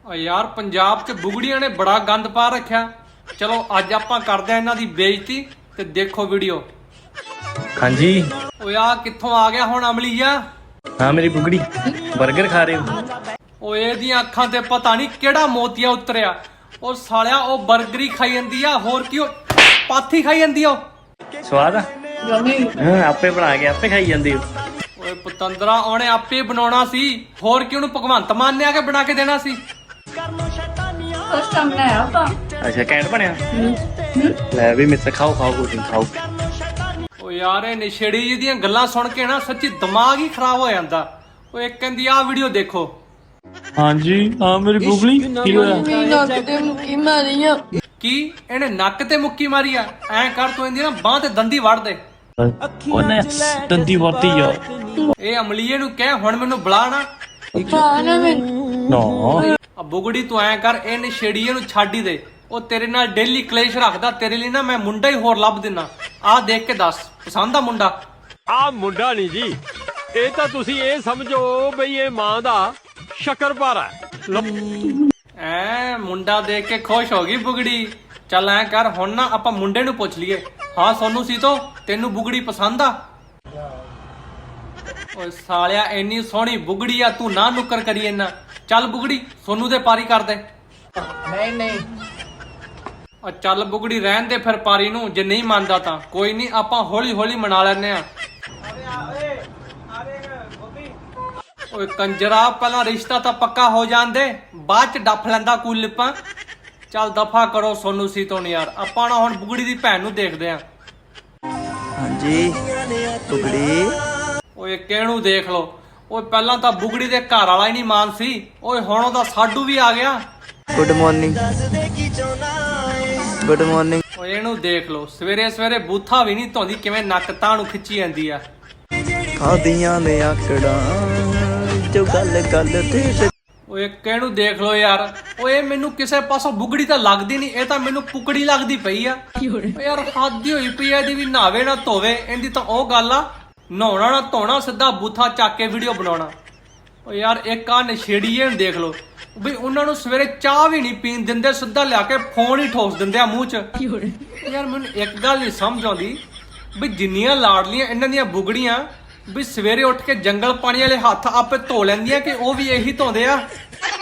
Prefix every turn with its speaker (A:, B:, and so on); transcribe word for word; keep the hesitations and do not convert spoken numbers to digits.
A: यार पंजाब च बुगड़िया ने बड़ा गंद पा रखा। चलो अज आपां करदे आं इन्हां दी बेइज्जती ते देखो वीडियो।
B: हाँ जी।
A: ओ यार कित्थों आ गया हुण अमलीया?
B: हाँ मेरी बुगड़ी बर्गर खा रहे हो?
A: ओ एदियां अखां ते पता नहीं केड़ा मोतिया उतरिया। ओ सालिया ओ बर्गर ही खाई जंदी आ, होर की ओ पाथी खाई जंदी ओ।
B: स्वाद आ? हाँ आपे बना के आपे खाई जांदे हो।
A: ओए पतंदरा ओने आपे बनाउणा सी, होर की ओनू भगवंत मान ने आके बना के देना सी।
B: अच्छा कैंट बनया ले भी मेरे से खाओ खाओ कुछ खाओ।
A: ओ यार ਇਹ ਨਸ਼ੇੜੀ ਜੀ ਦੀਆਂ ਗੱਲਾਂ ਸੁਣ ਕੇ ਨਾ ਸੱਚੀ ਦਿਮਾਗ ਹੀ ਖਰਾਬ ਹੋ ਜਾਂਦਾ। ਉਹ ਇੱਕ ਕਹਿੰਦੀ ਆ ਵੀਡੀਓ ਦੇਖੋ।
B: हाँ जी हाँ मेरी बुगड़ी की होया?
A: ਕੀ ਇਹਨੇ ਨੱਕ ਤੇ ਮੁੱਕੀ ਮਾਰੀ ਆ? ਐਂ ਕਰ ਤੂੰ ਇਹਦੀ ਨਾ ਬਾਹ ਤੇ ਦੰਦੀ ਵੜ ਦੇ।
B: ਉਹਨੇ ਦੰਦੀ ਵਰਤੀ ਆ।
A: ਇਹ ਅਮਲੀਏ ਨੂੰ ਕਹਿ ਹੁਣ ਮੈਨੂੰ ਬੁਲਾ ਨਾ।
B: ਨਾ
A: ਆ ਬੁਗੜੀ ਤੂੰ ਐਂ ਕਰ ਇਹ ਨਸ਼ੇੜੀਏ ਨੂੰ ਛੱਡ ਹੀ ਦੇ। ਉਹ ਤੇਰੇ ਨਾਲ ਡੇਲੀ ਕਲੇਸ਼ ਰੱਖਦਾ, ਤੇਰੇ ਲਈ ਨਾ ਮੈਂ ਮੁੰਡਾ ਹੀ ਹੋਰ ਲੱਭ ਦਿੰਨਾ। ਆਹ ਦੇਖ ਕੇ ਦੱਸ ਪਸੰਦ ਆ ਮੁੰਡਾ?
C: ਆ ਮੁੰਡਾ ਨਹੀਂ ਜੀ, ਇਹ ਤਾਂ ਤੁਸੀਂ ਇਹ ਸਮਝੋ ਬਈ ਇਹ ਮਾਂ ਦਾ ਸ਼ੱਕਰਪਾਰਾ
A: ਐ ਮੁੰਡਾ ਦੇਖ ਕੇ ਖੁਸ਼ ਹੋ ਗਈ ਬੁਗੜੀ। ਚੱਲ ਐਂ ਕਰ ਹੁਣ ਨਾ ਆਪਾਂ ਮੁੰਡੇ ਨੂੰ ਪੁੱਛ ਲਈਏ। ਹਾਂ ਸੋਨੂ ਸੀ ਤੋ ਤੈਨੂੰ ਬੁਗੜੀ ਪਸੰਦ ਆ? ਓਏ ਸਾਲਿਆ ਇੰਨੀ ਸੋਹਣੀ ਬੁਗੜੀ ਆ, ਤੂੰ ਨਾ ਨੁੱਕਰ ਕਰੀ ਇਹਨਾਂ। ਚੱਲ ਬੁਗੜੀ ਸੋਨੂ ਦੇ ਪਾਰੀ ਕਰ ਦੇ।
D: ਨਹੀਂ ਨਹੀਂ
A: ਆ ਚੱਲ ਬੁਗੜੀ ਰਹਿਣ ਦੇ ਫਿਰ ਪਾਰੀ ਨੂੰ, ਜੇ ਨਹੀਂ ਮੰਨਦਾ ਤਾਂ ਕੋਈ ਨਹੀਂ ਆਪਾਂ ਹੌਲੀ ਹੌਲੀ ਮਨਾ ਲੈਨੇ ਆ। ਓਏ ਕੰਜਰਾ ਪਹਿਲਾਂ ਰਿਸ਼ਤਾ ਤਾਂ ਪੱਕਾ ਹੋ ਜਾਂਦੇ, ਬਾਅਦ ਚ ਡੱਫ ਲੈਂਦਾ ਕੋਈ ਲਿਪਾਂ। ਚੱਲ ਦਫਾ ਕਰੋ ਸੋਨੂ ਸੀ ਤੋਂ ਯਾਰ, ਆਪਾਂ ਨਾ ਹੁਣ ਬੁਗੜੀ ਦੀ ਭੈਣ ਨੂੰ ਦੇਖਦੇ ਆ।
D: ਹਾਂਜੀ ਟੁਕੜੀ
A: ਓਏ ਕਿਹਨੂੰ ਦੇਖ ਲੋ। ਓਏ ਪਹਿਲਾਂ ਤਾਂ ਬੁਗੜੀ ਦੇ ਘਰ ਵਾਲਾ ਹੀ ਨਹੀਂ ਮਾਨ ਸੀ, ਓਏ ਹੁਣ ਉਹਦਾ ਸਾਡੂ ਵੀ ਆ ਗਿਆ।
D: Good morning good morning.
A: ਓਏ ਇਹਨੂੰ ਦੇਖ ਲੋ, ਸਵੇਰੇ ਸਵੇਰੇ ਬੂਥਾ ਵੀ ਨਹੀਂ ਧੋਂਦੀ, ਕਿਵੇਂ ਨੱਕ ਤਾਂ ਨੂੰ ਖਿੱਚੀ ਜਾਂਦੀ ਆ।
D: ਖਾਦੀਆਂ ਨੇ ਆਕੜਾਂ ਜੋ ਗੱਲ ਗੱਲ ਤੇ।
A: ਓਏ ਕਿਹਨੂੰ ਦੇਖ ਲੋ ਯਾਰ। ਓਏ ਮੈਨੂੰ ਕਿਸੇ ਪਾਸੋਂ ਬੁਗੜੀ ਤਾਂ ਲੱਗਦੀ ਨਹੀਂ, ਇਹ ਤਾਂ ਮੈਨੂੰ ਪੁਕੜੀ ਲੱਗਦੀ ਪਈ ਆ। ਓ ਯਾਰ ਹੱਦ ਹੋਈ ਪਈ ਆ ਇਹਦੀ ਵੀ, ਨਹਾਵੇ ਨਾ ਧੋਵੇ। ਇਹਦੀ ਤਾਂ ਉਹ ਗੱਲ ਆ ਨਹਾਉਣਾ ਨਾ ਧੋਣਾ, ਸਿੱਧਾ ਬੂਥਾ ਚੱਕ ਕੇ ਵੀਡੀਓ ਬਣਾਉਣਾ। ਓ ਯਾਰ ਇੱਕ ਆ ਨਸ਼ੇੜੀਏ ਨੂੰ ਦੇਖ ਲੋ ਬਈ, ਉਹਨਾਂ ਨੂੰ ਸਵੇਰੇ ਚਾਹ ਵੀ ਨਹੀਂ ਪੀਣ ਦਿੰਦੇ, ਸਿੱਧਾ ਲਿਆ ਕੇ ਫੋਨ ਹੀ ਠੋਸ ਦਿੰਦੇ ਆ ਮੂੰਹ 'ਚ। ਯਾਰ ਮੈਨੂੰ ਇੱਕ ਗੱਲ ਨਹੀਂ ਸਮਝ ਆਉਂਦੀ ਵੀ ਜਿੰਨੀਆਂ ਲਾਡਲੀਆਂ ਇਹਨਾਂ ਦੀਆਂ ਬੁਗੜੀਆਂ ਵੀ ਸਵੇਰੇ ਉੱਠ ਕੇ ਜੰਗਲ ਪਾਣੀ ਵਾਲੇ ਹੱਥ ਆਪੇ ਧੋ ਲੈਂਦੀਆਂ ਕਿ ਉਹ ਵੀ ਇਹੀ ਧੋਂਦੇ ਆ।